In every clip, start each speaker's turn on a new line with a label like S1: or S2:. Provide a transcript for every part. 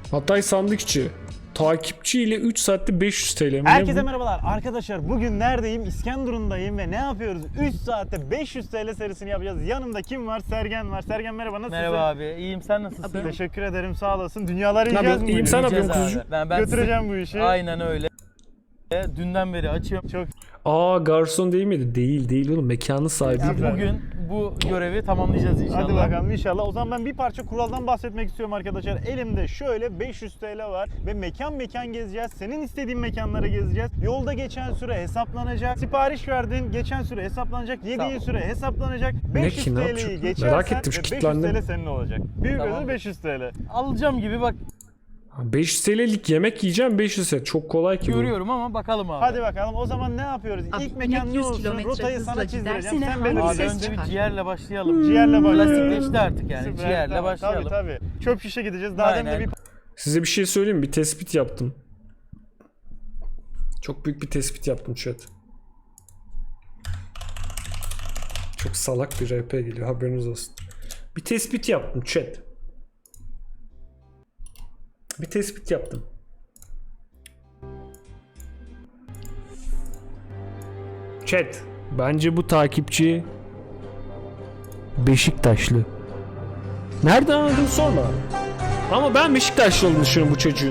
S1: Hatay Sandıkçı. Takipçi ile 3 saatte 500 TL mi?
S2: Herkese merhabalar arkadaşlar, bugün neredeyim? İskenderun'dayım ve ne yapıyoruz? 3 saatte 500 TL serisini yapacağız. Yanımda kim var? Sergen var. Sergen merhaba, nasılsın?
S3: Merhaba abi, iyiyim, sen nasılsın?
S2: Teşekkür ederim, sağ olasın. Dünyaları yiyeceğiz mi?
S1: İyiyim, sen ne
S3: Yiyeceğiz
S1: yapıyorsun
S3: abi.
S1: kuzucuğum?
S3: Ben
S2: Götüreceğim bu işi.
S3: Aynen öyle. Dünden beri açıyorum.
S2: Çok
S1: Aa, garson değil miydi? Değil oğlum, mekanın sahibi.
S2: Süper.
S3: Bugün bu görevi tamamlayacağız inşallah.
S2: Hadi bakalım inşallah. O zaman ben bir parça kuraldan bahsetmek istiyorum arkadaşlar. Elimde şöyle 500 TL var ve mekan gezeceğiz. Senin istediğin mekanları gezeceğiz. Yolda geçen süre hesaplanacak. Sipariş verdin, geçen süre hesaplanacak. Yediğin
S3: Tamam.
S2: süre hesaplanacak. 500
S1: ki, ne
S2: TL'yi
S1: yapacak?
S2: geçersen
S1: Merak ettim, şu
S2: ve 500
S1: kilitlendim.
S2: TL senin olacak. Büyük
S3: Tamam.
S2: ödül 500 TL.
S3: Alacağım gibi bak,
S1: 500 TL'lik yemek yiyeceğim, 500 TL. Çok kolay ki bu.
S3: görüyorum ama bakalım abi.
S2: Hadi bakalım o zaman ne yapıyoruz?
S4: Abi,
S2: İlk mekan ne
S4: 100
S2: olsun?
S4: kilometre
S2: Rotayı
S4: hızla
S2: sana çizdireceğim.
S4: gidersene,
S2: Sen
S4: abi,
S2: benim
S3: Abi
S4: ses
S3: önce bir
S4: çıkar.
S3: ciğerle başlayalım.
S2: Ciğerle başlayalım.
S3: Klasikleşti artık yani.
S2: Süper,
S3: Ciğerle
S2: tamam.
S3: başlayalım.
S2: Tabii. Çöp şişe gideceğiz. Daha demin de
S3: Aynen.
S2: bir
S1: Size bir şey söyleyeyim mi? Bir tespit yaptım. Çok büyük bir tespit yaptım chat. Çok salak bir RP geliyor, haberiniz olsun. Bir tespit yaptım chat. Bir tespit yaptım. Chat, bence bu takipçi Beşiktaşlı. Nereden anladın sorma. Ama ben Beşiktaşlı olduğunu düşünüyorum bu çocuğun.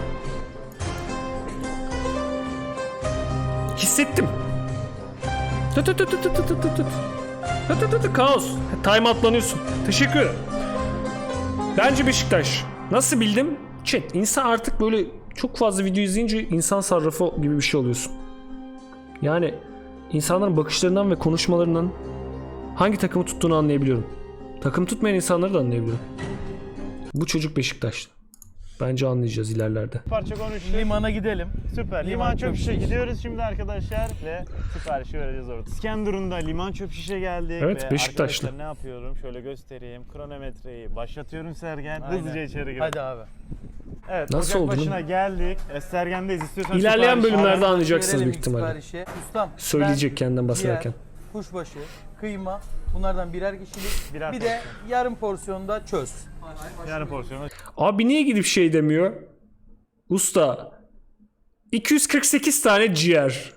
S1: Hissettim. Tut tut tut tut tut tut tut tut. Tut tut tut tut, kaos. Time atlanıyorsun. Teşekkür ederim. Bence Beşiktaş. Nasıl bildim? Chat, insan artık böyle çok fazla video izleyince insan sarrafı gibi bir şey oluyorsun. Yani insanların bakışlarından ve konuşmalarından hangi takımı tuttuğunu anlayabiliyorum. Takım tutmayan insanları da anlayabiliyorum. Bu çocuk Beşiktaşlı. Bence anlayacağız ilerlerde.
S2: parça konuştuk.
S3: Limana gidelim.
S2: Süper. Liman çöp şişe gidiyoruz şimdi arkadaşlar ve siparişi vereceğiz orada. İskenderun'da liman çöp şişe geldik.
S1: Evet,
S2: ve
S1: Beşiktaşlı.
S2: arkadaşlar ne yapıyorum? Şöyle göstereyim. Kronometreyi başlatıyorum Sergen.
S3: Aynen.
S2: Hızlıca içeri girelim.
S3: Hadi abi.
S2: Evet,
S1: Nasıl
S2: ocak
S1: oldu
S2: başına geldik. Sergen'deyiz. İstiyorsan
S1: İlerleyen
S2: sipariş
S1: bölümlerde
S2: al.
S1: anlayacaksınız
S3: Verelim
S1: büyük ihtimalle.
S3: siparişi. Ustam,
S1: Söyleyecek kendinden bahsederken.
S3: ciğer, kuşbaşı, kıyma, bunlardan birer kişilik.
S2: Birer
S3: bir de yarım porsiyonda çöz.
S2: Yarım porsiyonu.
S1: Abi niye gidip şey demiyor? Usta 248 tane ciğer.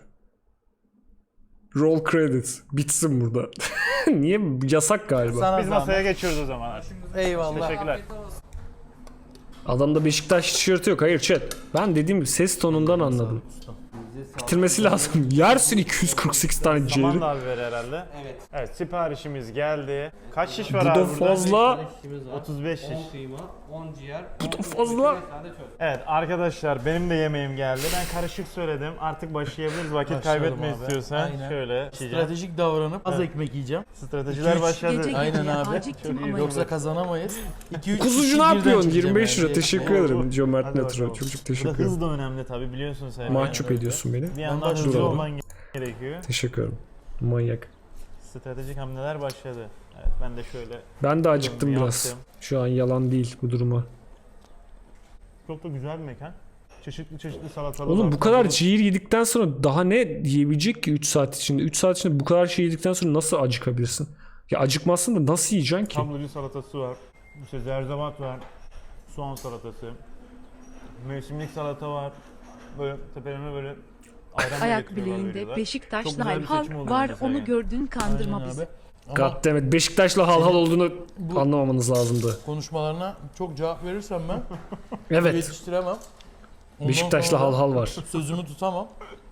S1: Roll credit. Bitsin burada. Niye? Yasak galiba.
S3: Sana
S2: Biz
S3: zahmet.
S2: masaya geçiyoruz o zaman.
S3: Eyvallah.
S2: Teşekkürler.
S1: Adamda Beşiktaş tişörtü yok. Hayır chat. Ben dediğim gibi ses tonundan anladım. Bitirmesi lazım. Yersin 248 tane
S2: Saman
S1: ciğeri.
S2: da abi ver herhalde. Evet, siparişimiz geldi. Kaç şiş var
S1: Bu da
S2: abi burada?
S1: fazla.
S2: 35 şiş.
S5: 10 kıyma, 10 ciğer,
S1: Bu da fazla.
S2: Evet arkadaşlar, benim de yemeğim geldi. Ben karışık söyledim. Artık başlayabiliriz. Vakit
S3: Başlayalım
S2: kaybetme
S3: abi.
S2: istiyorsan.
S3: Aynen.
S2: Şöyle.
S3: Stratejik davranıp az ekmek yiyeceğim.
S2: Stratejiler başladı.
S4: Gece
S3: Aynen
S4: geceye
S3: abi.
S4: acıktım
S2: Çok iyi.
S4: ama
S3: Yoksa kazanamayız. 2-3
S1: Kuzucu ne yapıyorsun? 25 lira.
S2: Oo,
S1: Teşekkür
S2: oo.
S1: ederim. Cömert
S2: Hadi
S1: Netro.
S2: bakalım.
S1: Çok
S2: Burada
S1: teşekkür
S2: hız
S1: ederim.
S2: da önemli tabii, biliyorsun sen.
S1: Mahcup ediyorsun beni.
S2: Bir yandan
S3: başlıyorum.
S2: hızlı olman gerekiyor.
S1: Teşekkür ederim. Manyak.
S2: Stratejik hamleler başladı. Evet, ben de şöyle
S1: Ben de acıktım
S2: Yaptım.
S1: biraz. Şu an yalan değil bu duruma.
S2: çok da güzel bir mekan. Çeşitli salatalar.
S1: Oğlum
S2: var.
S1: bu kadar ciğer yedikten sonra daha ne yiyebilecek ki 3 saat içinde? 3 saat içinde bu kadar şey yedikten sonra nasıl acıkabilirsin? Ya acıkmazsın da nasıl yiyeceksin ki?
S2: Tablocu salatası var. İşte zerzevat var. Soğan salatası. Mevsimlik salata var. Böyle tepelerine böyle ayran
S4: ayak
S2: getiriyorlar,
S4: bileğinde
S2: veriyorlar. Çok
S4: Beşiktaşlı
S2: güzel bir
S4: hal
S2: seçim oldu
S4: var,
S2: bence
S4: onu
S2: Sergen.
S4: gördün, kandırma
S3: Aynen
S4: bizi.
S3: abi. Ama
S1: Goddammit. Beşiktaş'la hal olduğunu anlamamanız lazımdı.
S3: konuşmalarına çok cevap verirsem ben
S1: Evet.
S3: yetiştiremem. Ondan
S1: Beşiktaş'la
S3: sonra
S1: hal var.
S3: sözümü tutamam.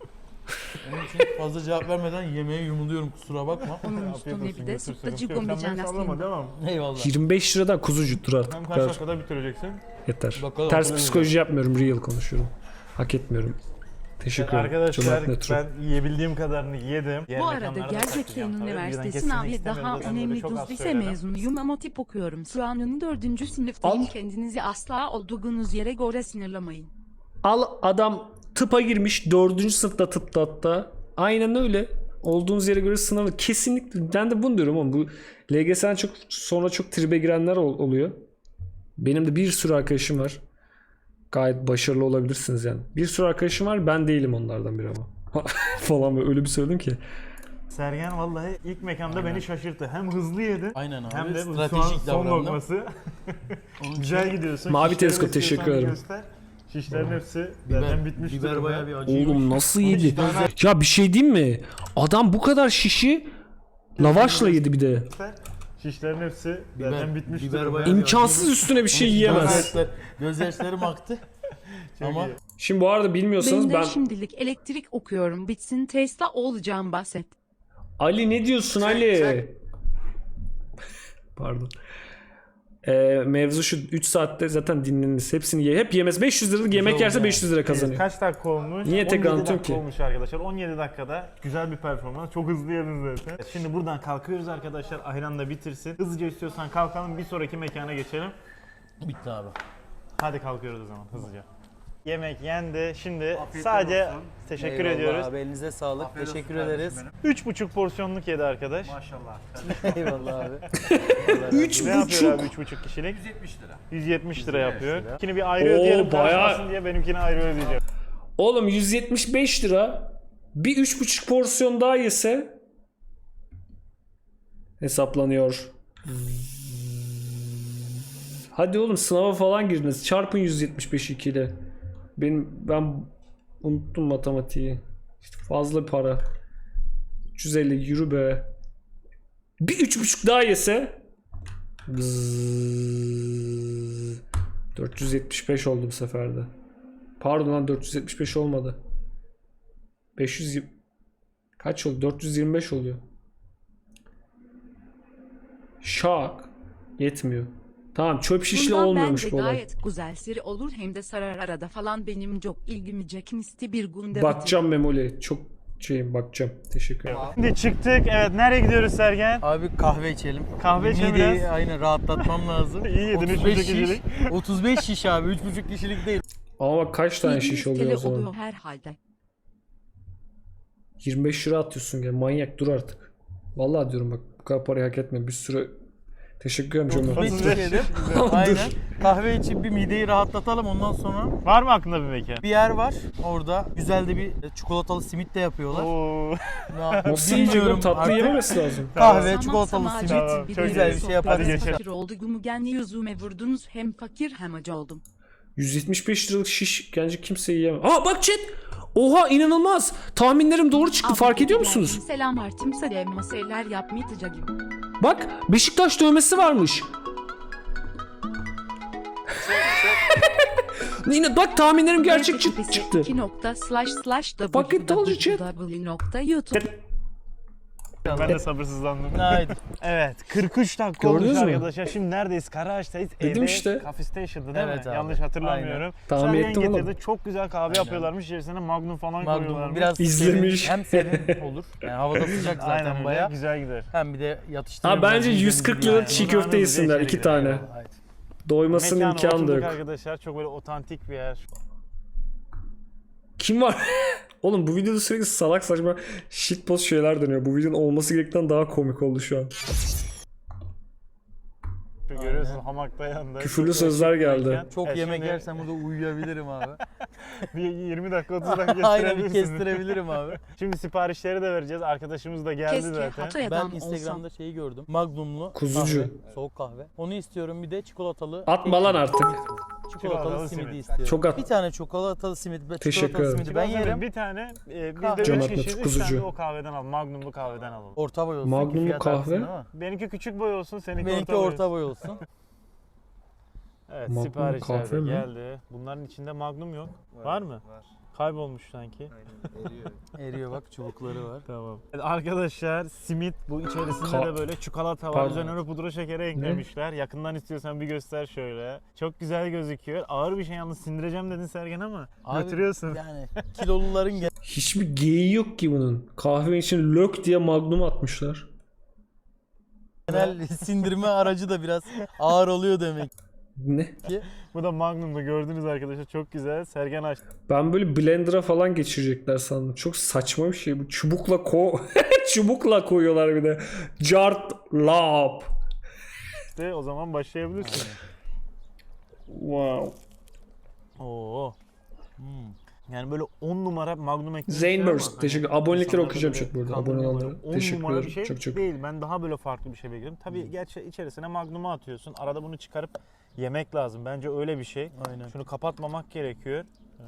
S3: Onun için fazla cevap vermeden yemeğe yumuluyorum, kusura bakma.
S4: Onun
S2: Afiyet
S4: üstüne
S2: olsun,
S4: bir de
S2: götür,
S4: sütlacı
S2: sıkıntı yok. Sen beni
S4: gombecana
S2: sallama,
S4: sıyım.
S2: devam.
S3: Eyvallah.
S1: 25 liradan kuzucu dur artık.
S2: Hem
S1: Bu
S2: kaç
S1: kadar
S2: dakikada bitireceksin?
S1: yeter.
S3: Bakalım.
S1: Ters psikoloji yapmıyorum. Real konuşuyorum. Hak etmiyorum. Teşekkür ederim.
S2: Arkadaşlar
S1: Cömert Netro.
S2: ben yiyebildiğim kadarını yedim. Diğer
S4: Bu arada
S2: mekanlarda da
S4: Gerçekten
S2: kaçacağım tabii. Birden
S4: Üniversitesi
S2: kesmek
S4: sınavı
S2: istemiyorum.
S4: daha
S2: Zaten böyle
S4: önemli
S2: çok az
S4: lise
S2: söyledim.
S4: mezunuyum ama tip okuyorum. Şu an 4. sınıftayım.
S1: Al.
S4: Kendinizi asla olduğunuz yere göre sınırlamayın.
S1: Al, adam tıpa girmiş. 4. sınıfta tıpta hatta. Aynen öyle. Olduğunuz yere göre sınavı. Kesinlikle. Ben de bunu diyorum ama bu LGS'den çok sonra çok tribe girenler oluyor. Benim de bir sürü arkadaşım var. Gayet başarılı olabilirsiniz yani. Bir sürü arkadaşım var. Ben değilim onlardan biri ama. Falan böyle öyle bir söyledim ki.
S2: Sergen vallahi ilk mekanda beni şaşırttı. Hem hızlı yedi
S3: Aynen abi.
S2: hem de bu
S3: Stratejik
S2: son
S3: davrandım.
S2: lokması. Güzel gidiyorsun.
S1: Mavi
S2: Şişleri
S1: teleskop,
S2: istiyorsan
S1: teşekkür ederim.
S2: göster. Şişlerin hepsi zaten bitmiş
S3: Biber
S2: durumda.
S3: bayağı bir acı.
S1: Oğlum nasıl yedi? Ya bir şey diyeyim mi? Adam bu kadar şişi lavaşla yedi bir de.
S2: Göster. Şişlerin hepsi zaten bitmiş
S3: biber
S2: durumda.
S3: bayağı bir
S1: İmkansız üstüne bir şey yiyemez.
S3: Gözyaşlarım aktı.
S2: Çok
S3: Ama
S2: iyi.
S1: Şimdi bu arada bilmiyorsanız
S4: Ben de
S1: ben...
S4: şimdilik elektrik okuyorum. Bitsin Tesla olacağım bahset.
S1: Ali ne diyorsun Ali? Pardon. Mevzu şu 3 saatte zaten dinleniriz. Hepsini hep yemez. 500 liralık yemek yerse 500 lira kazanıyor.
S2: Kaç dakika olmuş?
S1: Niye tekrar
S2: 17
S1: anlatıyorum
S2: dakika
S1: ki?
S2: olmuş arkadaşlar. 17 dakikada güzel bir performans. Çok hızlı yedin zaten. Şimdi buradan kalkıyoruz arkadaşlar. Ayran da bitirsin. Hızlıca istiyorsan kalkalım. Bir sonraki mekana geçelim.
S3: bitti abi.
S2: Hadi kalkıyoruz o zaman hızlıca. Yemek yendi. Şimdi sadece teşekkür ediyoruz.
S5: Abi elinize sağlık. Teşekkür ederiz.
S2: 3,5 porsiyonluk yedi arkadaş.
S5: Eyvallah abi.
S2: Ne yapıyor abi 3,5 kişilik? 170 lira yapıyor. Benimkini bir ayrı ödeyelim
S1: bayağı-
S2: karşılasın diye benimkini ayrı ödeyeceğim.
S1: Oğlum 175 lira bir 3,5 porsiyon daha yese hesaplanıyor. Hadi oğlum sınava falan girdiniz. Çarpın 175 2 ile. Ben unuttum matematiği. İşte fazla para. 350 yürü be. Bir 3,5 daha yese Bzzz. 475 oldu bu seferde. Pardon lan 475 olmadı. 500 kaç oldu? 425 oluyor. Şak. Yetmiyor. Tamam çöp şişle
S4: Bundan
S1: olmuyormuş
S4: bence
S1: bu olay.
S4: gayet güzel seri olur hem de sarar arada falan benim çok ilgimi çekmişti bir günde
S1: Bakacağım Memoli. Çok bakacağım. Teşekkür ederim.
S2: Şimdi çıktık. Evet nereye gidiyoruz Sergen?
S5: Abi kahve içelim.
S2: Kahve içelim
S5: Mideyi
S2: biraz.
S5: aynen rahatlatmam lazım.
S2: İyi yedin,
S5: 35
S2: 3,5
S5: şiş.
S2: kişilik.
S5: 35 şiş abi. 3,5 kişilik değil.
S1: Ama bak kaç tane
S4: 700
S1: şiş oluyor
S4: TL
S1: o zaman?
S4: oluyor herhalde.
S1: 25 lira atıyorsun gel. Manyak dur artık. Vallahi diyorum bak bu kadar parayı hak etme. Bir sürü teşekkür ederim Cömert.
S5: 35
S2: 35
S5: şiş yedim.
S1: Dur.
S5: Aynen. Kahve içip bir mideyi rahatlatalım ondan sonra.
S2: Var mı aklında bir mekan?
S5: Bir yer var. Orada güzel de bir çikolatalı simit de yapıyorlar.
S2: Oo.
S1: Nasıl yiyecek oğlum? Tatlı
S5: artık.
S1: yememesi lazım.
S5: Kahve,
S4: Tamam,
S5: çikolatalı
S4: tamam,
S5: simit.
S2: Tamam, çok
S5: güzel
S2: iyi.
S5: bir şey
S2: Hadi
S5: yaparız.
S2: geçelim.
S4: Fakir olduğumu kendi yüzüme vurdunuz hem fakir hem acı oldum.
S1: 175 liralık şiş bence kimse yiyemez. Aa bak chat. Oha inanılmaz. Tahminlerim doğru çıktı.
S4: Abi,
S1: Fark ediyor
S4: yani
S1: musunuz?
S4: Selam artimse de masaylar yapmayacağım.
S1: Bak Beşiktaş dövmesi varmış. Yine bak tahminlerim gerçek çıktı.
S4: 2.//
S1: Fucking told you, chat.
S4: www.youtube.
S2: Ben de sabırsızlandım.
S5: Haydi.
S2: Evet 43 dakika
S1: Gördünüz
S2: olmuş
S1: mü?
S2: arkadaşlar. Şimdi neredeyiz? Karaağaç'tayız.
S1: Dedim
S2: Evde
S1: işte.
S2: Coffee Station'da değil
S5: Evet
S2: mi?
S5: abi.
S2: Yanlış hatırlamıyorum.
S1: Tahmin
S2: Sergen
S1: ettim
S2: getirdi.
S1: oğlum.
S2: Çok güzel kahve yapıyorlarmış. İçerisine Magnum falan
S5: Magnum
S2: koyuyorlarmış.
S5: biraz
S1: İzlemiş.
S5: serin, hem serin olur. Yani havada sıcak
S2: Aynen
S5: zaten
S2: öyle.
S5: bayağı.
S2: Güzel gider.
S5: Hem bir de yatıştırıyor.
S1: Ha bence
S5: biraz
S1: 140
S5: midemizi
S1: liralık
S5: bir
S1: çiğ
S5: yani.
S1: köfte
S2: Zamanımız
S1: yesinler
S2: içeri
S1: 2
S2: girer,
S1: tane.
S2: eyvallah.
S5: Haydi.
S1: Doymasının
S2: Mekana
S1: imkanı da
S2: oturduk
S1: yok.
S2: arkadaşlar. Çok böyle otantik bir yer.
S1: Kim var? Oğlum bu videoda sürekli salak saçma shitpost şeyler dönüyor. Bu videonun olması gerektiğinden daha komik oldu şu an.
S2: Görüyorsun hamakta yanında.
S1: Küfürlü
S2: Çok
S1: sözler
S2: şık bir
S1: geldi.
S2: mekan.
S5: Çok yemek
S2: şimdi
S5: yersem burada uyuyabilirim abi.
S2: bir 20 dakika 30 dakika
S5: Aynen bir
S2: kestirebilirsin.
S5: kestirebilirim abi.
S2: Şimdi siparişleri de vereceğiz. Arkadaşımız da geldi
S4: Keşke
S2: zaten.
S4: Hatay
S5: Ben
S4: adam
S5: Instagram'da
S4: olsam.
S5: şeyi gördüm. Magnumlu
S1: Kuzucu.
S5: kahve, soğuk kahve. Onu istiyorum bir de çikolatalı.
S1: Atma lan artık.
S5: Çikolatalı
S2: Çikolatalı
S5: simidi
S2: simit.
S5: istiyorum.
S1: Çok at.
S5: Bir tane çikolatalı simit.
S1: Teşekkür
S5: Çikolatalı
S1: ederim.
S5: simidi ben yerim.
S2: Bir tane biz
S5: Kahve.
S2: de 3
S1: Cömert
S2: kişiyiz. 3
S1: kuzucu.
S2: tane de o kahveden al. Magnumlu kahveden alalım.
S5: Orta boy olsun.
S1: Magnumlu
S5: ki fiyat
S1: kahve.
S5: artsın ama.
S2: Benimki küçük boy olsun, seninki
S5: Benimki
S2: orta boy
S5: orta
S2: olsun.
S5: boy olsun.
S2: Evet,
S1: Magnum
S2: siparişler
S1: kahve
S2: de
S1: mi?
S2: geldi. Bunların içinde Magnum yok. Var mı?
S6: Var.
S2: Kaybolmuş sanki.
S5: Eriyor bak çubukları var.
S2: Tamam. Evet, arkadaşlar simit bu içerisinde de böyle çikolata var.
S1: Pardon.
S2: Üzerine pudra şekeri eklemişler. Yakından istiyorsan bir göster şöyle. Çok güzel gözüküyor. Ağır bir şey yalnız sindireceğim dedin Sergen ama
S5: Abi,
S2: götürüyorsun.
S5: Yani kiloluların
S1: Hiçbir geyiği yok ki bunun. Kahve için lök diye magnum atmışlar.
S5: genel sindirme aracı da biraz ağır oluyor demek
S1: Ne?
S5: ki.
S2: Bu da Magnum'da gördünüz arkadaşlar. Çok güzel. Sergen açtı.
S1: Ben böyle blender'a falan geçirecekler sandım. Çok saçma bir şey bu. Çubukla çubukla koyuyorlar bir de. Cart lap.
S2: O zaman başlayabilirsin.
S1: Wow.
S2: Oo. Yani böyle 10 numara Magnum ekmek.
S1: Zaynburst. Teşekkür. Abonelikleri
S3: İnsanlar
S1: okuyacağım
S3: böyle
S1: chat burada.
S3: kandırma
S1: Abone
S3: böyle
S1: olanlara.
S2: 10
S1: Teşekkür
S2: numara bir
S1: ederim.
S2: şey
S1: Çok çok.
S2: değil. Ben daha böyle farklı bir şey bekliyorum. Tabii gerçi içerisine Magnum'u atıyorsun. Arada bunu çıkarıp yemek lazım. Bence öyle bir şey.
S3: Aynen.
S2: Şunu kapatmamak gerekiyor.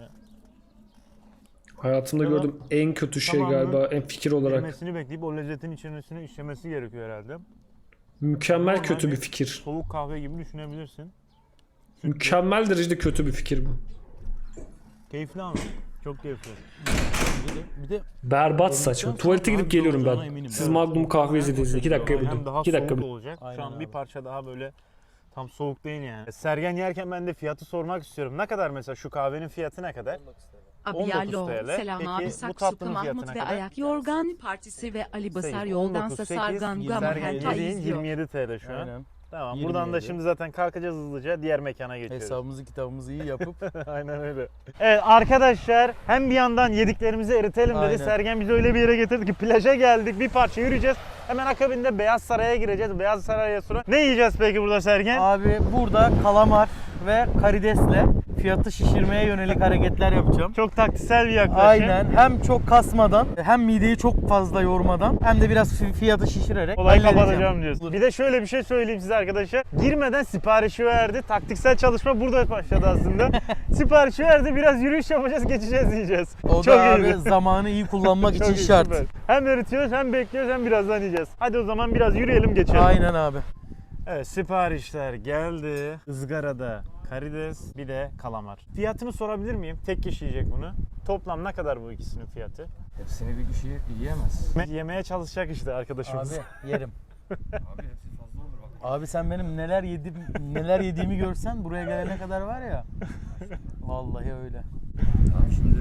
S1: Hayatımda
S2: Tamam.
S1: gördüğüm en kötü şey
S2: Tamam mı?
S1: galiba, en fikir olarak.
S2: Yemesini bekleyip o lezzetin içerisine işlemesi gerekiyor herhalde.
S1: Mükemmel
S2: Normal
S1: kötü
S2: bir
S1: bir fikir.
S2: Soğuk kahve gibi düşünebilirsin.
S1: Mükemmel derecede kötü bir fikir bu.
S2: Keyifli ama. Çok keyifli.
S3: Bir de
S1: Berbat saçma. Tuvalete gidip geliyorum
S3: olacağına
S1: ben.
S3: eminim.
S1: Siz
S3: Evet.
S1: Magnum kahve izlediğinizde 2 dakikaya
S2: Hem
S1: buldum.
S2: daha
S1: 2 dakika
S2: soğuk
S1: buldum.
S2: olacak. Şu
S3: Aynen
S2: an bir
S3: abi.
S2: parça daha böyle tam soğuk değil yani. Sergen yerken ben de fiyatı sormak istiyorum. Ne kadar mesela şu kahvenin fiyatı ne kadar? 19
S4: Abiyalo,
S2: TL.
S4: Selam
S2: Peki,
S4: abi
S2: bu
S4: Saksuku
S2: tatlının
S4: Mahmut
S2: fiyatına
S4: ve
S2: kadar?
S4: Ayak Yorgan Partisi ve Ali Basar
S2: 19,
S4: yoldansa
S2: 8,
S4: Sargan Gama
S2: Sergen
S4: Henta
S2: yediğin
S4: izliyor.
S2: 27 TL şu an.
S3: Aynen.
S2: Tamam. Buradan da
S3: 27.
S2: şimdi zaten kalkacağız hızlıca. Diğer mekana geçiyoruz.
S3: Hesabımızı kitabımızı iyi yapıp
S2: Aynen öyle. Evet arkadaşlar hem bir yandan yediklerimizi eritelim dedi.
S3: Aynen.
S2: Sergen bizi öyle bir yere getirdi ki plaja geldik. Bir parça yürüyeceğiz. Hemen akabinde Beyaz Saray'a gireceğiz. Beyaz Saray'a sonra ne yiyeceğiz peki burada Sergen?
S5: Abi burada kalamar ve karidesle fiyatı şişirmeye yönelik hareketler yapacağım.
S2: Çok taktiksel bir yaklaşım.
S5: Aynen. Hem çok kasmadan, hem mideyi çok fazla yormadan, hem de biraz fiyatı şişirerek
S2: Olayı
S5: halledeceğim.
S2: kapatacağım diyorsun. Bir de şöyle bir şey söyleyeyim size arkadaşlar. Girmeden siparişi verdi. Taktiksel çalışma burada başladı aslında. Siparişi verdi. Biraz yürüyüş yapacağız, geçeceğiz diyeceğiz.
S5: O da abi zamanı iyi kullanmak
S2: Çok
S5: için
S2: iyi,
S5: şart.
S2: süper. Hem eritiyoruz hem bekliyoruz hem birazdan yiyeceğiz. Hadi o zaman biraz yürüyelim geçelim.
S5: Aynen abi.
S2: Evet siparişler geldi. Izgarada karides bir de kalamar. Fiyatını sorabilir miyim? Tek kişi yiyecek bunu. Toplam ne kadar bu ikisinin fiyatı?
S6: Hepsini bir kişi yiyemez.
S2: Yemeye çalışacak işte arkadaşımız.
S5: Abi yerim.
S6: Abi hepsi fazla olur bak.
S5: Abi sen benim neler yediğimi görsen buraya gelene kadar var ya. Vallahi öyle.
S6: Abi şimdi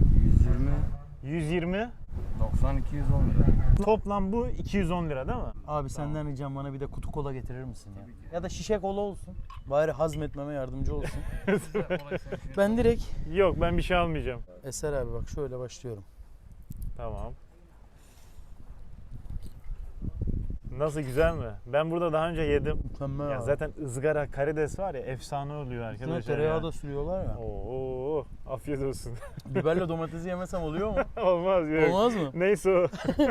S6: 120,
S2: 120.
S6: 90, 210 lira.
S2: Toplam bu 210 lira değil mi?
S5: Abi senden ricam bana bir de kutu kola getirir misin ya? Ya da şişe kola olsun. Bari hazmetmeme yardımcı olsun. Ben direkt
S2: Yok ben bir şey almayacağım.
S5: Eser abi bak şöyle başlıyorum.
S2: Tamam. Nasıl güzel mi? Ben burada daha önce yedim.
S5: Mükemmel
S2: Ya
S5: abi.
S2: zaten ızgara karides var ya efsane oluyor
S5: Üstüne
S2: arkadaşlar.
S5: tereyağı
S2: ya.
S5: da sürüyorlar ya.
S2: Oo, afiyet olsun.
S5: Biberle domatesi yemesem oluyor mu?
S2: Olmaz yok.
S5: Olmaz mı?
S2: Neyse o.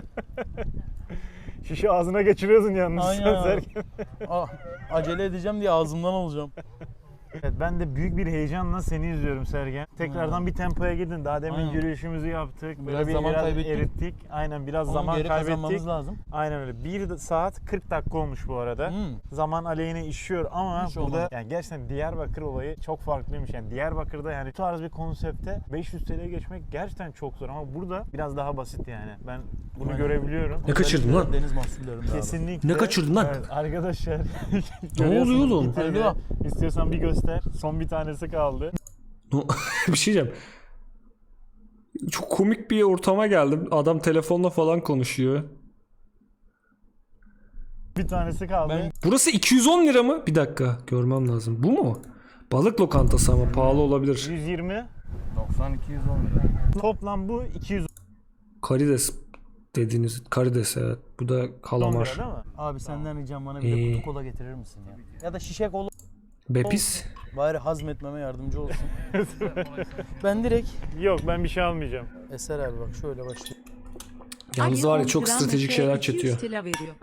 S2: Şişi ağzına geçiriyorsun yalnız.
S5: Aynen
S2: sen
S5: abi.
S2: Sergen.
S5: Acele edeceğim diye ağzımdan alacağım.
S2: Evet, ben de büyük bir heyecanla seni izliyorum Sergen. Tekrardan bir tempoya gidin. Daha demin
S5: Aynen.
S2: yürüyüşümüzü yaptık. Böyle
S5: Biraz zaman kaybettik.
S2: erittik. Aynen biraz
S5: Onun
S2: zaman
S5: geri
S2: kaybettik.
S5: kazanmamız lazım.
S2: Aynen öyle. 1 saat 40 dakika olmuş bu arada. Zaman aleyhine işiyor ama
S5: Hiç
S2: burada
S5: olmaz.
S2: yani gerçekten Diyarbakır olayı çok farklıymış. Yani Diyarbakır'da yani bu tarz bir konsepte 500 TL'ye geçmek gerçekten çok zor ama burada biraz daha basit yani. Ben bunu
S5: Aynen.
S2: görebiliyorum.
S1: Ne kaçırdın lan?
S5: Deniz mahsullerinde abi.
S2: Kesinlikle.
S1: Ne kaçırdın lan?
S2: Evet, arkadaşlar.
S1: Ne oluyor
S2: görüyorsunuz
S1: oğlum?
S2: getirdi.
S5: Alo.
S2: İstiyorsan bir göster. Son bir tanesi kaldı.
S1: Bir şey diyeceğim. Çok komik bir ortama geldim. Adam telefonla falan konuşuyor.
S2: Bir tanesi kaldı.
S1: Burası 210 lira mı? Bir dakika görmem lazım. Bu mu? Balık lokantası ama pahalı olabilir.
S2: 120.
S6: 90, 210 lira.
S2: Toplam bu 210
S1: Karides dediğiniz karides evet. Bu da
S2: lira
S1: kalamar.
S2: değil mi?
S5: Abi senden ricam bana bir de
S1: İyi.
S5: kutu kola getirir misin ya? Ya da şişe kola
S1: Bepis.
S5: bari hazmetmeme yardımcı olsun. Ben direkt
S2: Yok ben bir şey almayacağım.
S5: Eser abi bak şöyle başlıyorum.
S1: Yalnız
S4: Ayı
S1: var ya
S4: 10
S1: çok
S4: gram
S1: stratejik
S4: ete
S1: şeyler
S4: 200
S1: çetiyor.
S4: TL veriyor.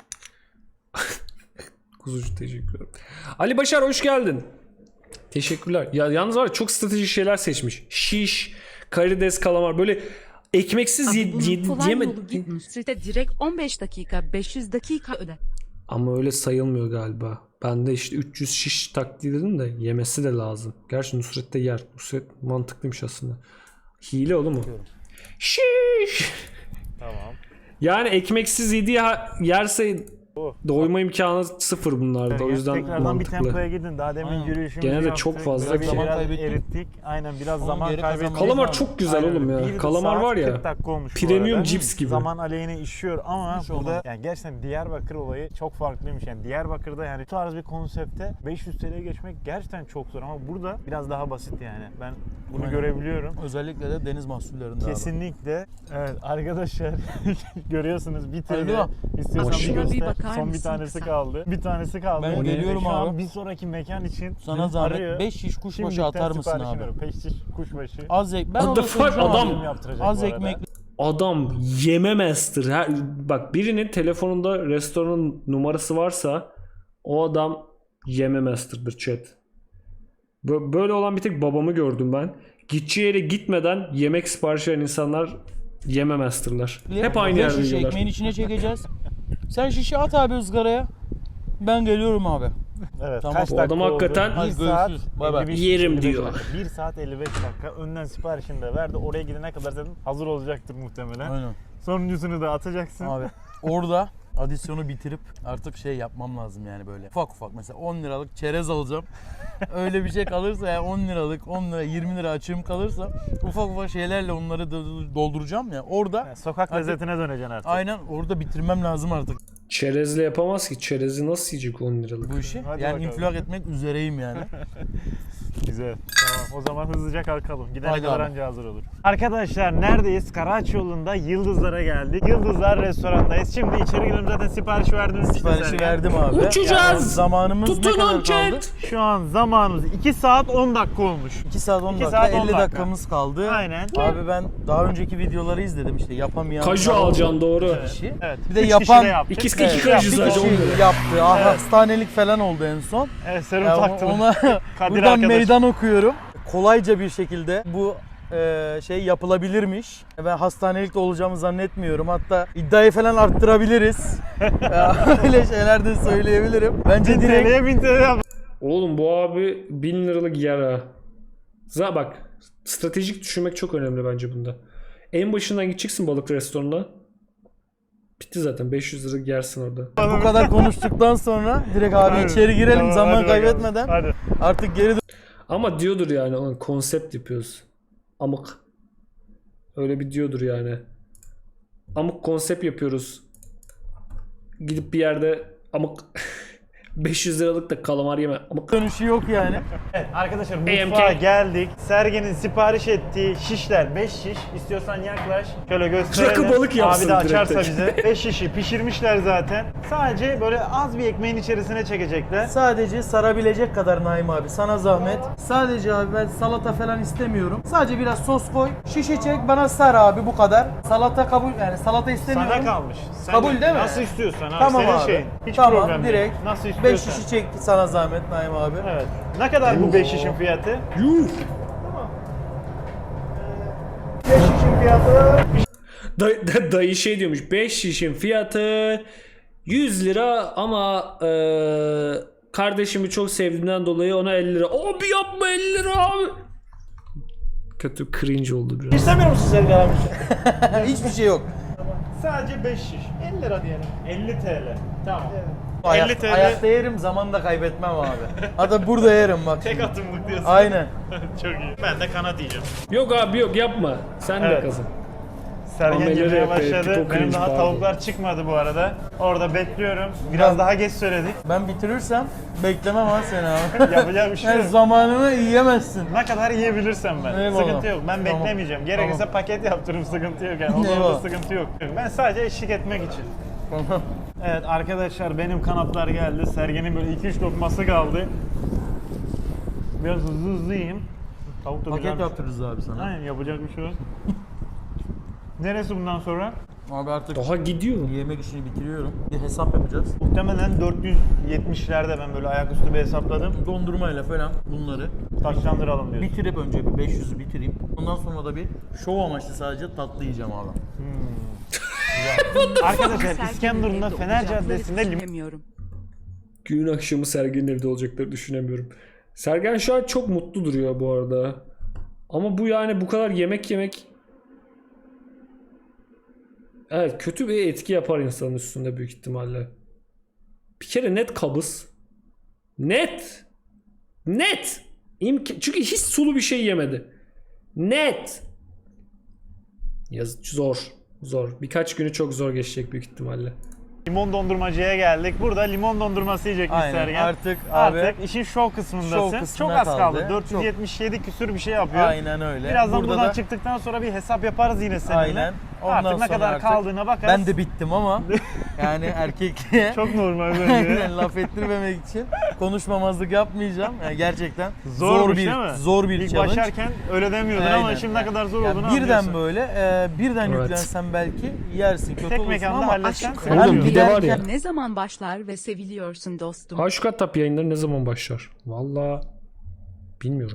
S1: Kuzucu teşekkür ederim. Ali Başar hoş geldin. Teşekkürler. Ya yalnız var ya çok stratejik şeyler seçmiş. Şiş, karides, kalamar böyle ekmeksiz
S4: Abi bunun kolay
S1: yeme.
S4: yolu git Nusret'e direkt 15 dakika 500 dakika öde.
S1: Ama öyle sayılmıyor galiba. Ben de işte 300 şiş taktiği dedim de yemesi de lazım. Gerçi Nusret de yer. Nusret mantıklıymış aslında. Hile oğlum o. Şiş.
S2: Tamam.
S1: Yani ekmeksiz yediği yerse
S2: Oh.
S1: doyma imkanı sıfır bunlarda. O yüzden
S2: tekrardan
S1: mantıklı.
S2: bir tempoya gidin. Daha demin
S5: Aynen.
S2: yürüyüşümüzü
S1: Gene de
S2: yaptık.
S1: çok fazla
S2: Böyle
S1: bir şey.
S2: biraz
S5: kaybettik.
S2: erittik. Aynen biraz
S5: Onun
S2: zaman
S5: geri
S2: kaybettik.
S5: kazanmamız
S1: Kalamar
S5: lazım.
S1: çok güzel
S2: Aynen
S1: oğlum
S2: öyle.
S1: ya.
S2: Bir
S1: Kalamar
S2: saat
S1: var ya.
S2: 40 dakika olmuş bu
S1: Premium
S2: arada.
S1: cips gibi.
S2: Zaman aleyhine işiyor ama
S5: Hiç
S2: burada
S5: olmaz.
S2: yani gerçekten Diyarbakır olayı çok farklıymış. Yani Diyarbakır'da yani bu tarz bir konsepte 500 TL'ye geçmek gerçekten çok zor ama burada biraz daha basit yani. Ben bunu
S5: Aynen.
S2: görebiliyorum.
S5: Özellikle de deniz mahsullerinde abi.
S2: Kesinlikle. Evet arkadaşlar görüyorsunuz bir TL.
S5: Alo.
S2: İstiyorsan
S4: Bak
S2: bir
S4: şuna bir
S2: göster.
S4: bakar tutar
S2: Son bir
S4: mısın
S2: tanesi
S4: kısa?
S2: kaldı. Bir tanesi kaldı.
S3: Ben geliyorum
S2: Şu an
S3: abi.
S2: bir sonraki mekan için
S3: Sana zahmet
S2: arıyor.
S3: 5 şiş kuşbaşı
S2: Şimdilikten
S3: atar mısın
S2: sipariş
S3: abi?
S2: veriyorum. 5 şiş kuşbaşı.
S3: Az ek. Ben
S1: What the
S3: onu
S1: fuck,
S3: soracağım
S1: adam-
S3: abi.
S2: Film yaptıracak
S3: Az
S2: bu arada.
S3: ekmek.
S1: Adam yeme master. Bak birinin telefonunda restoranın numarası varsa o adam yeme master'dır chat. Böyle olan bir tek babamı gördüm ben. Gideceği yere gitmeden yemek sipariş veren insanlar yeme master'lar. Hep aynı
S3: Beş
S1: yerde
S3: şiş
S1: yiyorlar.
S3: ekmeğin içine çekeceğiz. Sen şişi at abi ızgaraya. Ben geliyorum abi.
S2: Evet.
S3: Tamam.
S2: Kaç
S1: Bu
S2: dakika
S1: adam
S2: oldu?
S1: hakikaten-
S2: 1
S3: Hadi
S2: saat
S3: görüşürüz. Bay bay.
S2: 55
S1: Yerim
S2: 55
S1: diyor.
S2: dakika. 1 saat 55 dakika. Önden siparişini de verdi. Oraya gidene kadar zaten hazır olacaktır muhtemelen.
S3: Aynen.
S2: Sonuncusunu da atacaksın.
S3: Abi orada adisyonu bitirip artık şey yapmam lazım yani böyle. Ufak ufak mesela 10 liralık çerez alacağım. Öyle bir şey kalırsa ya 10 liralık 10 lira 20 lira açığım kalırsa ufak ufak şeylerle onları dolduracağım ya. Orada
S2: Yani sokak
S3: Artık-
S2: lezzetine döneceksin artık.
S3: aynen orada bitirmem lazım artık
S1: Çerezle yapamaz ki. Çerezi nasıl yiyecek 10 liralık?
S3: bu işi.
S2: Hadi
S3: yani
S2: bakalım.
S3: infilak etmek üzereyim yani.
S2: Güzel. Tamam. O zaman hızlıca kalkalım. Gidene
S3: Haydi
S2: kadar
S3: abi.
S2: anca hazır olur. Arkadaşlar neredeyiz? Karaağaç yolunda Yıldızlar'a geldik. Yıldızlar restorandayız. Şimdi içeri girelim, zaten sipariş verdiniz.
S3: Siparişi verdim abi.
S1: Uçacağız.
S3: Yani zamanımız ne
S1: Tutunun
S3: kadar kaldı?
S1: chat.
S2: Şu an zamanımız 2 saat 10 dakika olmuş.
S3: 2 saat 10
S2: 2
S3: dakika
S2: saat 10
S3: 50
S2: dakika.
S3: dakikamız kaldı.
S2: Aynen.
S3: Abi ben daha önceki videoları izledim işte yapamayan.
S1: Kaju alacaksın doğru.
S3: Kişi.
S2: Evet.
S3: Bir de
S2: 3
S3: yapan-
S2: kişi de yaptık.
S1: İkiz
S2: Evet.
S1: iki kaju
S3: Bir
S1: sadece 10
S3: kişi
S1: lira.
S3: yaptı. Hastanelik falan oldu en son.
S2: Evet, serum
S3: Ya
S2: taktım.
S3: ona
S2: Kadir
S3: buradan
S2: arkadaş.
S3: meydan okuyorum. Kolayca bir şekilde bu şey yapılabilirmiş. Ben hastanelikte olacağımı zannetmiyorum. Hatta iddiayı falan arttırabiliriz. Öyle şeyler de söyleyebilirim. Bence
S2: 1000
S3: direkt
S2: TL'ye 1000 TL yap.
S1: Oğlum bu abi 1000 liralık yer ha. Bak stratejik düşünmek çok önemli bence bunda. En başından gideceksin balık restoranına. Bitti zaten 500 lira yersin orada.
S3: bu kadar konuştuktan sonra direkt abi
S2: Hadi.
S3: içeri girelim
S2: Tamam,
S3: zaman
S2: hadi bakalım.
S3: kaybetmeden.
S2: Hadi.
S3: Artık geri
S1: Ama diyordur yani onun konsept yapıyoruz. Amık. Öyle bir diyordur yani. Amık konsept yapıyoruz. Gidip bir yerde amık 500 liralık da kalamar yeme. Amık.
S3: dönüşü yok yani.
S2: Evet, arkadaşlar
S1: AMK.
S2: mutfağa geldik. Sergen'in sipariş ettiği şişler 5 şiş. İstiyorsan yaklaş. Şöyle gösterelim.
S1: Rakı balık yapsın
S2: Abi de açarsa
S1: direkt.
S2: bize. 5 şişi pişirmişler zaten. Sadece böyle az bir ekmeğin içerisine çekecekler.
S3: Sadece sarabilecek kadar Naim abi sana zahmet. Sadece abi ben salata falan istemiyorum. Sadece biraz sos koy. Şişe çek bana sar abi bu kadar. Salata kabul yani salata istemiyorum.
S2: Sana kalmış. Sen
S3: Kabul değil mi?
S2: Nasıl istiyorsan abi.
S3: Tamam
S2: Senin
S3: abi.
S2: şeyin. Hiç
S3: tamam
S2: problem değil.
S3: direkt.
S2: Nasıl
S3: 5
S2: istiyorsan.
S3: şişi çek sana zahmet Naim abi.
S2: Evet. Ne kadar bu 5 şişin fiyatı?
S1: Yuh.
S2: 5 şişin fiyatı
S1: Dayı şey diyormuş. 5 şişin fiyatı 100 lira ama kardeşimi çok sevdiğimden dolayı ona 50 lira. Abi yapma 50 lira abi. Kötü cringe oldu biraz.
S2: İstemiyor musun Sergen abi?
S3: Hiçbir şey yok.
S2: Sadece 5 şiş. 50 lira diyelim. 50 TL. Tamam. 50
S3: Ayak,
S2: TL.
S3: ayakta yerim zaman da kaybetmem abi. Hatta burada yerim bak.
S2: Tek
S3: şimdi.
S2: atımlık diyorsun.
S3: Aynen.
S2: Çok iyi. Ben de kanat yiyeceğim.
S1: Yok abi yok yapma. Sen de
S2: Evet.
S1: kazan.
S2: Sergen
S1: Ameleri
S2: yemeye
S1: yapıyor,
S2: başladı.
S1: pipo
S2: Benim
S1: cringe
S2: daha
S1: pardon.
S2: tavuklar çıkmadı bu arada. Orada bekliyorum. Biraz daha geç söyledik.
S3: Ben bitirirsem beklemem ha seni abi.
S2: Yapacak bir şey
S3: Yani
S2: yok.
S3: zamanını yiyemezsin.
S2: Ne kadar yiyebilirsem ben.
S3: Eyvallah.
S2: Sıkıntı yok. Ben
S3: Tamam.
S2: beklemeyeceğim. Gerekirse
S3: Tamam.
S2: paket yaptırırım, sıkıntı yok yani. Onda
S3: Eyvallah.
S2: sıkıntı yok. Ben sadece eşlik etmek için.
S3: Tamam.
S2: Evet arkadaşlar benim kanatlar geldi. Sergen'in böyle 2-3 lokması kaldı. Biraz hızlı hızlı yiyeyim. Tavuk da
S3: Paket
S2: güzelmiş.
S3: yaptırırız abi sana.
S2: Aynen, yapacak bir şey yok. Neresi bundan sonra?
S3: Abi artık
S1: Daha gidiyor.
S3: yemek işini bitiriyorum. Bir hesap yapacağız.
S2: Muhtemelen 470'lerde ben böyle ayaküstü bir hesapladım.
S3: Dondurmayla falan bunları
S2: Taşlandıralım diyorsun.
S3: bitirip önce bir 500'ü bitireyim. Ondan sonra da bir şov amaçlı sadece tatlı yiyeceğim abi.
S2: Arkadaşlar İskenderun'da Fener Caddesi'nde limon
S4: Bilmiyorum.
S1: Günün akşamı Sergen'in evde olacakları düşünemiyorum. Sergen şu an çok mutlu duruyor bu arada. Ama bu yani bu kadar yemek yemek evet kötü bir etki yapar insanın üstünde büyük ihtimalle. Bir kere net kabız. Net. Net. Çünkü hiç sulu bir şey yemedi. Net. Zor. Zor. Birkaç günü çok zor geçecek büyük ihtimalle.
S2: dondurmacıya geldik. Burada limon dondurması yiyecekmiş
S3: Aynen,
S2: Sergen.
S3: artık abi
S2: Artık işin şov kısmındasın.
S3: şov kısmına
S2: çok az kaldı.
S3: kaldı.
S2: 477 küsür bir şey yapıyor.
S3: aynen öyle.
S2: Birazdan
S3: Burada
S2: buradan
S3: da
S2: çıktıktan sonra bir hesap yaparız yine seninle.
S3: aynen. Ondan
S2: Artık ne
S3: sonra
S2: kadar
S3: artık
S2: kaldığına bakarız.
S3: ben de bittim ama yani erkekliğe
S2: Çok normal bence.
S3: aynen laf ettirmemek için konuşmamazlık yapmayacağım. Yani gerçekten
S2: Zormuş değil mi?
S3: zor bir
S2: İlk
S3: challenge.
S2: başlarken öyle demiyordun ama
S3: Aynen.
S2: şimdi ne kadar zor
S3: Ya
S2: olduğunu
S3: birden
S2: anlıyorsun.
S3: böyle birden
S1: Evet.
S3: yüklensen belki yersin kötü
S2: Tek
S3: olursun
S2: mekanda
S3: ama
S2: halletsen
S4: aşk
S2: sen
S1: Oğlum,
S2: diyorsun.
S1: bir de var ya.
S4: Ne zaman başlar ve seviliyorsun dostum?
S1: Aşk Tap yayınları ne zaman başlar? Vallahi bilmiyorum.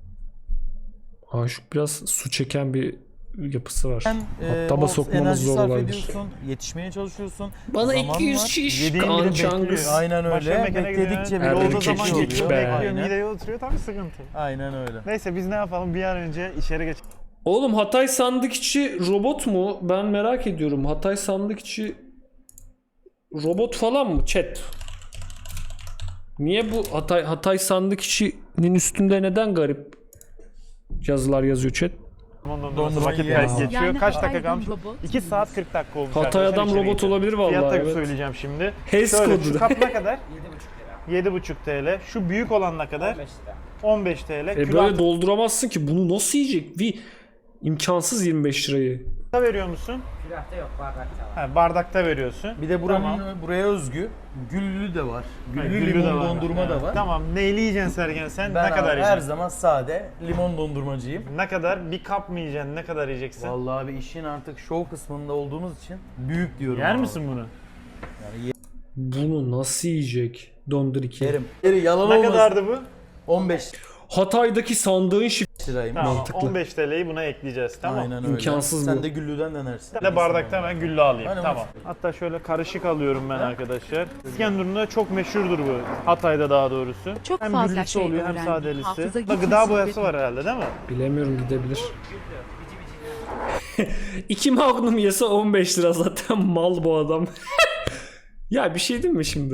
S1: Aşık biraz su çeken bir yapısı var.
S3: sen
S1: Hatta
S3: o
S1: sokmamız
S3: enerji
S1: zor
S3: sarf
S1: olabilir.
S3: ediyorsun, yetişmeye çalışıyorsun.
S1: Bana
S3: Zaman
S1: 200
S3: var.
S1: şiş
S2: Yediğin bile
S1: kançangız.
S2: bekliyor.
S3: Aynen
S2: Başka
S3: öyle.
S2: mekana
S3: Bekledikçe
S2: gidiyor.
S3: bile
S1: Erbil
S2: Yolda
S1: kek
S2: zaman
S1: geç
S2: geçiyor.
S1: be.
S2: Bekliyor,
S3: Aynen.
S2: mideye oturuyor tabii sıkıntı.
S3: Aynen öyle.
S2: Neyse biz ne yapalım bir an önce içeri geç.
S1: Oğlum Hatay sandık içi robot mu? Ben merak ediyorum. Hatay sandık içi robot falan mı chat? Niye bu Hatay sandık içinin üstünde neden garip yazılar yazıyor chat?
S2: Ondan
S3: Dondurma
S2: sonra vakit
S3: yiyelim.
S2: geçiyor.
S4: Yani
S2: Kaç dakika
S4: Hatay'dan
S2: kalmış?
S4: robot
S2: 2 saat 40 dakika olmuş.
S1: Hatay
S2: arkadaşlar,
S1: adam
S2: içeri
S1: robot
S2: geçelim.
S1: olabilir vallahi,
S2: Fiyat
S1: evet.
S2: söyleyeceğim şimdi.
S1: HES
S2: Şöyle,
S1: kodu.
S2: şu kap ne kadar? 7,5 TL. Şu büyük olan ne kadar? 15 TL.
S1: Böyle dolduramazsın ki. Bunu nasıl yiyecek? Bir imkansız 25 lirayı.
S2: Külahta veriyor musun?
S7: Külahta yok, bardakta var.
S2: Ha, bardakta veriyorsun.
S3: Bir de buranın
S2: Tamam.
S3: buraya özgü güllü de var. Güllü,
S2: Güllü de
S3: limon
S2: var.
S3: dondurma da var.
S2: Tamam. Neyli yiyeceksin Sergen sen?
S3: Ben
S2: ne kadar
S3: abi her
S2: yiyeceksin?
S3: zaman sade limon dondurmacıyım.
S2: Ne kadar? Bir kap mı yiyeceksin? Ne kadar yiyeceksin?
S3: Vallahi abi işin artık şov kısmında olduğumuz için büyük diyorum.
S2: Yer
S3: abi.
S2: misin bunu?
S3: Yani
S1: Bunu nasıl yiyecek? Dondur 2.
S3: yerim. Yeri yalan
S2: Ne
S3: olmasın.
S2: kadardı bu?
S3: 15
S1: Hatay'daki sandığın
S3: lirayım.
S2: Tamam.
S1: Mantıklı.
S2: 15 TL'yi buna ekleyeceğiz. Tamam.
S3: Aynen öyle.
S1: İmkansız
S3: Sen
S1: bu.
S3: de güllüden denersin.
S2: Ben de bardakta ben güllü alayım.
S3: Aynen,
S2: tamam. Hatta şöyle karışık alıyorum ben arkadaşlar. İskenderun'da çok meşhurdur bu. Hatay'da daha doğrusu.
S4: Çok
S2: hem
S4: fazla
S2: güllüsü
S4: şey
S2: oluyor hem
S4: öğrendim.
S2: sadelisi.
S4: Hafıza
S2: Da
S4: gücüm
S2: gıda boyası
S4: kuvvetli.
S2: var herhalde değil mi?
S1: Bilemiyorum, gidebilir. 2 Magnum yese 15 lira, zaten mal bu adam. Ya bir şey diyeyim mi şimdi?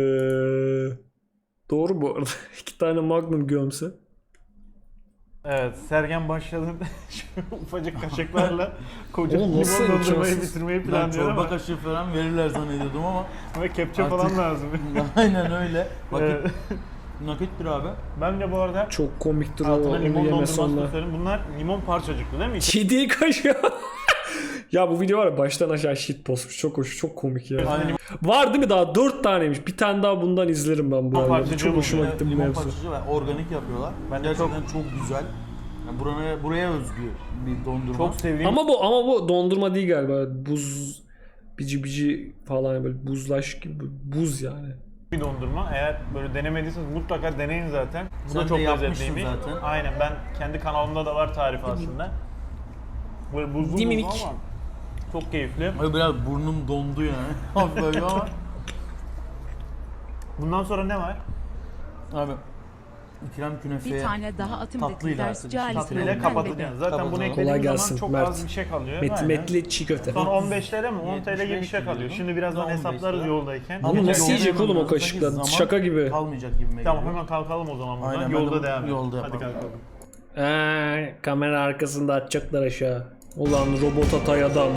S1: Doğru bu arada. 2 tane Magnum gömse.
S2: Evet, Sergen başladı. Şu ufacık kaşıklarla koca
S1: Oğlum
S2: limon
S1: nasıl
S2: dondurmayı
S1: imkansız?
S2: bitirmeyi
S3: Ben
S2: planlıyor
S3: çorba
S2: ama
S3: kaşığı falan verirler zannediyordum ama
S2: ve kepçe
S3: Artık-
S2: falan lazım.
S3: aynen öyle. Vakit
S2: Evet.
S3: nakittir abi.
S2: Bence bu arada
S1: Çok komiktir o.
S2: altına
S1: Onu
S2: limon
S1: yeme
S2: dondurması
S1: sonra.
S2: da söyleyeyim. Bunlar limon parçacıklı değil mi?
S1: Kedi kaşığı. Ya bu video var ya, baştan aşağı shit postmuş. Çok hoş, çok komik ya.
S3: Aynen.
S1: Var değil mi daha? 4 taneymiş. Bir tane daha bundan izlerim ben bu arada.
S2: parçacığı
S1: Çok hoşuma
S2: oluyor.
S1: gitti bu
S3: Limon
S1: mevzu.
S3: parçacığı ve organik yapıyorlar.
S2: Ben de
S3: Gerçekten çok güzel. Yani buraya özgü bir dondurma.
S2: Çok sevdiğim
S1: Ama bu dondurma değil galiba. Buz bici falan, böyle buzlaş gibi, buz yani.
S2: bir dondurma. Eğer böyle denemediyseniz mutlaka deneyin zaten. Bu
S3: Sen
S2: da
S3: de
S2: çok
S3: yapmışsın
S2: lezzetliymiş.
S3: zaten.
S2: Aynen, ben kendi kanalımda da var tarifi aslında. Böyle buzlu
S1: Diminik.
S2: buzlu ama çok keyifli.
S3: Ay, biraz burnum dondu yani. Hafif böyle ama.
S2: Bundan sonra ne var?
S3: Abi İkram künefeye
S4: Bir tane daha atım
S3: tatlıyla
S4: ders
S3: artık
S4: cahil.
S3: tatlıyla
S2: Tatlıyla kapatacaksın. Zaten
S3: Kapatalım.
S2: bunu
S3: Kolay
S2: eklediğimiz
S1: gelsin,
S2: zaman çok
S1: Mert.
S2: az bir şey kalıyor.
S1: Metli metli çiğ köfte.
S2: Son 15 TL mi? 10 TL gibi bir
S3: 75
S2: şey kalıyor.
S3: diyordum.
S2: Şimdi birazdan
S3: 15
S2: hesaplarız
S3: lira.
S2: yoldayken.
S3: Ama
S1: Bunu
S3: yolda
S1: nasıl yiyecek
S3: yemem
S1: oğlum o
S3: lazım.
S1: kaşıkla?
S3: Zaman
S1: Şaka gibi.
S3: kalmayacak gibime
S2: Tamam,
S3: geliyor.
S2: hemen kalkalım o zaman buradan.
S3: Aynen,
S2: Yolda
S3: ben de
S2: devam edelim.
S3: yolda
S2: Hadi
S3: yapalım.
S2: kalkalım.
S1: Kamera arkasında atacaklar aşağı. Ulan robot Hatay adam.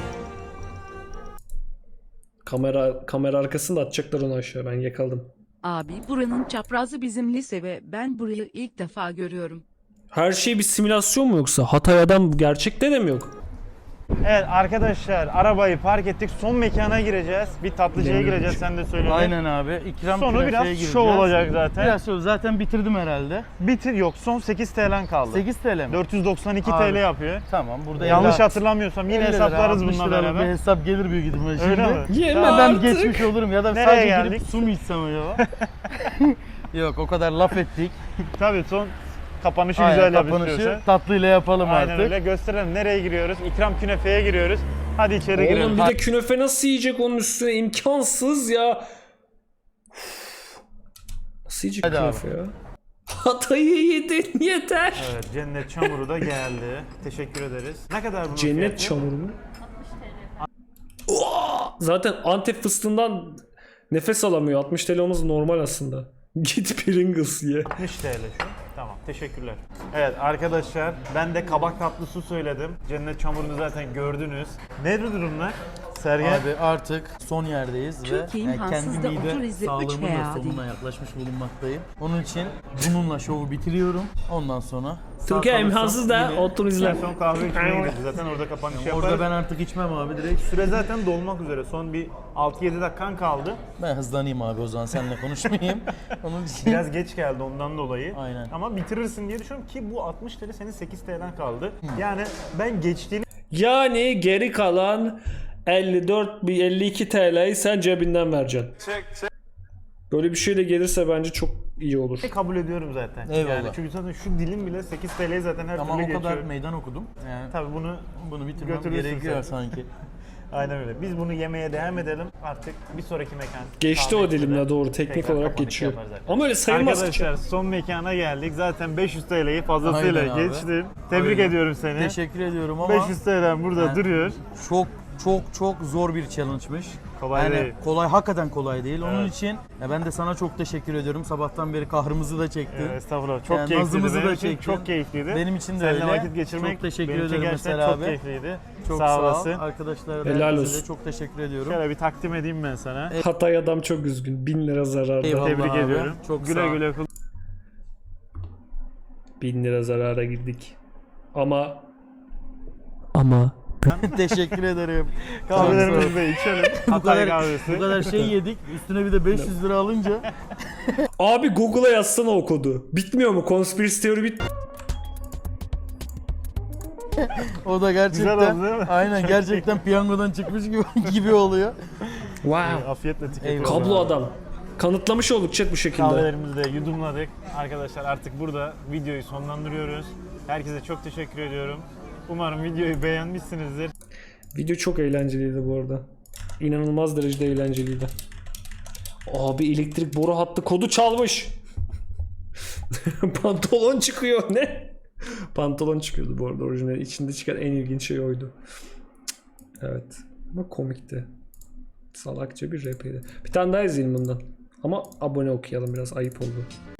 S1: Kamera arkasında atacaklar onu aşağı. Ben yakaladım.
S4: Abi buranın çaprazı bizim lise ve ben burayı ilk defa görüyorum.
S1: Her şey bir simülasyon mu yoksa? Hatay adam gerçekte de mi yok?
S2: Evet arkadaşlar, arabayı park ettik. Son mekana gireceğiz. Bir tatlıcıya
S1: Benim
S2: gireceğiz, sen de söyle.
S3: Aynen abi. İkram
S2: Sonu
S3: künefeye
S2: biraz
S3: gireceğiz.
S2: şov olacak zaten.
S3: Biraz şov. Zaten bitirdim herhalde.
S2: Bitir, yok son 8 TL'n kaldı.
S3: 8 TL mi?
S2: 492
S3: Abi.
S2: TL yapıyor.
S3: Tamam burada
S2: Yanlış
S3: 50
S2: hatırlamıyorsam yine
S3: 50 lira,
S2: hesaplarız
S3: 60
S2: bununla
S3: liralık
S2: beraber.
S3: Bir hesap gelir büyük ihtimalle şimdi.
S2: Öyle mi?
S1: Yeme
S3: Ama ben
S1: artık.
S3: geçmiş olurum ya da
S2: Nereye
S3: sadece
S2: geldik?
S3: girip su mu içsem acaba? Yok o kadar laf ettik.
S2: Tabii son kapanışı
S3: Aynen,
S2: güzel yap
S3: kapanışı
S2: istiyorsan.
S3: tatlıyla yapalım
S2: Aynen
S3: artık.
S2: öyle, gösterelim. Nereye giriyoruz? İkram künefeye giriyoruz. Hadi içeri
S1: Oğlum
S2: girelim.
S1: bir de künefe nasıl yiyecek onun üstüne? İmkansız ya. Uf. Nasıl yiyecek
S3: Hadi
S1: künefe ya? Hatay'ı yedin yeter.
S2: Evet, cennet çamuru da geldi. Teşekkür ederiz. Ne kadar bunun
S1: Cennet
S2: fiyatı?
S1: çamuru mu? Oha! Zaten Antep fıstığından nefes alamıyor. 60 TL olması normal aslında. Git Pringles ye.
S2: 60 TL şu. Tamam, teşekkürler. Evet arkadaşlar, ben de kabak tatlısı söyledim. Cennet çamurunu zaten gördünüz. Nedir durumlar? Sergen.
S3: Abi artık son yerdeyiz ve
S4: Türkiye
S3: kendi
S4: imkansız da
S3: mide
S4: otur izle, üç
S3: sağlığımın
S4: veya
S3: da sonuna yaklaşmış bulunmaktayım. Onun için bununla şovu bitiriyorum. Ondan sonra
S1: Türkiye
S3: sağ
S1: imkansız da
S3: kalırsam yine-
S1: otur
S2: En
S1: izle.
S2: son kahve içmeye gideriz. Zaten orada kapanış yaparız.
S3: Orada ben artık içmem abi direkt.
S2: Süre zaten dolmak üzere. Son bir 6-7 dakikan kaldı.
S3: Ben hızlanayım abi o zaman seninle konuşmayayım. Onun için
S2: Biraz geç geldi ondan dolayı.
S3: Aynen.
S2: Ama bitirirsin diye düşünüyorum ki bu 60 TL senin 8 TL'den kaldı. Yani ben geçtiğini
S1: Yani geri kalan 52 TL'yi sen cebinden vereceksin. Böyle bir şeyle gelirse bence çok iyi olur.
S2: kabul ediyorum zaten.
S3: Eyvallah.
S2: Yani çünkü zaten şu dilim bile 8 TL'yi zaten her
S3: ama
S2: türlü
S3: o kadar
S2: geçiyor.
S3: meydan okudum. Yani
S2: Tabii
S3: bunu bitirmem
S2: götürürsün
S3: gerekiyor
S2: sen.
S3: sanki.
S2: Aynen öyle. Biz bunu yemeye devam edelim. Artık bir sonraki mekan.
S1: Geçti o
S2: kahve içmede
S1: dilimle doğru teknik
S2: tekrar
S1: olarak
S2: kapanış
S1: geçiyor.
S2: yapar zaten.
S1: Ama öyle sayılmaz ki.
S2: Arkadaşlar son mekana geldik. Zaten 500 TL'yi fazlasıyla
S3: Aynen abi.
S2: geçtin. Tebrik
S3: Aynen.
S2: ediyorum seni.
S3: Teşekkür ediyorum ama
S2: 500 TL'm burada
S3: Yani-
S2: duruyor.
S3: çok zor bir challenge'mış.
S2: Kolay
S3: yani
S2: değil.
S3: kolay, hakikaten kolay değil. Onun
S2: Evet.
S3: için ben de sana çok teşekkür ediyorum. Sabahtan beri kahrımızı da çektin.
S2: Estağfurullah. Çok
S3: Yani
S2: keyifliydi.
S3: nazımızı
S2: Benim
S3: da
S2: için
S3: çektin.
S2: çok keyifliydi.
S3: Benim için de
S2: Seninle
S3: öyle.
S2: vakit geçirmek
S3: Çok teşekkür
S2: benim için
S3: ederim
S2: gerçekten
S3: mesela
S2: çok
S3: abi.
S2: keyifliydi.
S3: Çok
S2: sağ
S3: ol.
S2: olasın.
S3: Arkadaşlara da
S1: Helal
S3: herkese
S1: olsun.
S3: çok teşekkür ediyorum.
S2: Şöyle bir takdim edeyim ben sana.
S1: Hatay adam çok üzgün. 1000 lira zararda.
S3: Eyvallah.
S2: Tebrik
S3: abi.
S2: ediyorum.
S3: Çok
S2: güle
S3: sağ ol.
S2: güle kullan.
S1: 1000 lira zarara girdik. Ama
S3: Teşekkür ederim.
S2: Kahvelerimizi de içelim.
S3: bu
S2: Hatay
S3: kadar,
S2: kahvesi.
S3: bu kadar şey yedik. Üstüne bir de 500 lira alınca
S1: abi Google'a yazsana o kodu. Bitmiyor mu? Conspiracy Theory bit.
S3: o da gerçekten
S2: Güzel oldu değil mi?
S3: aynen gerçekten piyangodan çıkmış gibi oluyor.
S1: Wow.
S2: Afiyetle tüketiyoruz.
S3: Eyvallah.
S1: Kablo adam. Kanıtlamış olduk chat bu şekilde.
S2: Kahvelerimizi de yudumladık. Arkadaşlar artık burada videoyu sonlandırıyoruz. Herkese çok teşekkür ediyorum. Umarım videoyu beğenmişsinizdir.
S1: Video çok eğlenceliydi bu arada. İnanılmaz derecede eğlenceliydi. Abi elektrik boru hattı kodu çalmış. Pantolon çıkıyor ne? Pantolon çıkıyordu bu arada orijinal. İçinde çıkan en ilginç şey oydu. Evet. Ama komikti. Salakça bir rapiydi. Bir tane daha izleyelim bundan. Ama abone okuyalım biraz ayıp oldu.